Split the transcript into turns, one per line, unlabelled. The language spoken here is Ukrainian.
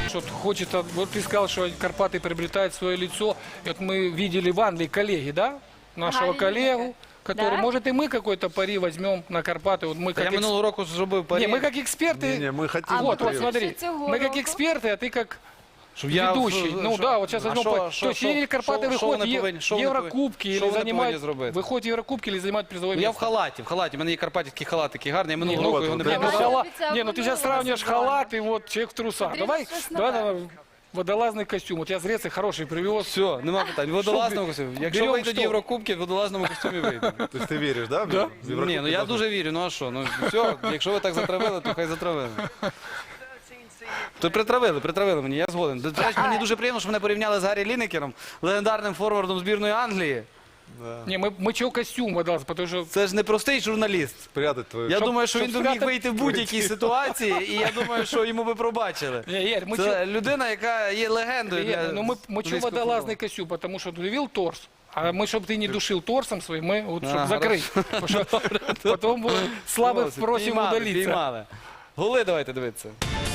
Что хочет, вот ты сказал, что Карпаты приобретают свое лицо. И вот мы видели в Англии коллеги, да? Нашего коллегу, который,
Да?
может, и мы какой-то пари возьмем на Карпаты. Вот мы
Я
как
минулого року зробив парі.
Не, мы как эксперты.
Не, мы хотим.
Вот, вот,
Кирилл.
смотри.
Цього
Мы как
року.
эксперты, а ты как
Щоб я-
ведущий. Ну да, вот сейчас возьмем. То есть или Карпаты выходят в Еврокубки, или занимают выходят в Еврокубки, или занимают призовое
Я в
место.
халаті, в мене є карпатський халат такий гарний, я
Не,
минулого
ну,
року його не
вот,
Не, ну,
Прямо
брав.
халат-
Обіцяв
не, ну ты сейчас
минулого
сравниваешь
сезону.
халат и вот человек в трусах.
Смотри,
Давай,
что с
давай,
ногами.
давай, водолазный костюм. Вот я с Греции хороший привез.
Все, нема питань. В водолазному костюмі. Якщо
берем
вийдуть
що?
Єврокубки, в водолазному костюмі вийде.
То есть ты веришь, да?
Да.
В Еврокубке
Ні, ну я
должны-
дуже вірю, ну а що? Ну все, якщо ви так затравили, то хай затравили. То притравили мені, я згоден. До речі, мені дуже приємно, що мене порівняли з Гаррі Лінекером, легендарним форвардом збірної Англії.
Не, мы чего костюм водолаз, потому что...
Це ж непростий журналіст.
Спрятать твою...
Я
Щоб-
думаю, що він
щоб
би міг
спрятати-
вийти в будь-якій ситуації, і я думаю, що йому би пробачили.
Не, Игорь, мы
Це людина, яка є легендою для
ну мы чего
англійського
водолазный костюм, потому что ты видел торс. А мы, чтобы ты не душил торсом своим, мы вот, чтобы
А,
закрыть. Потому что потом слабых
футболу.
просим
Піймали,
удалиться.
піймали. Голи давайте дивитися.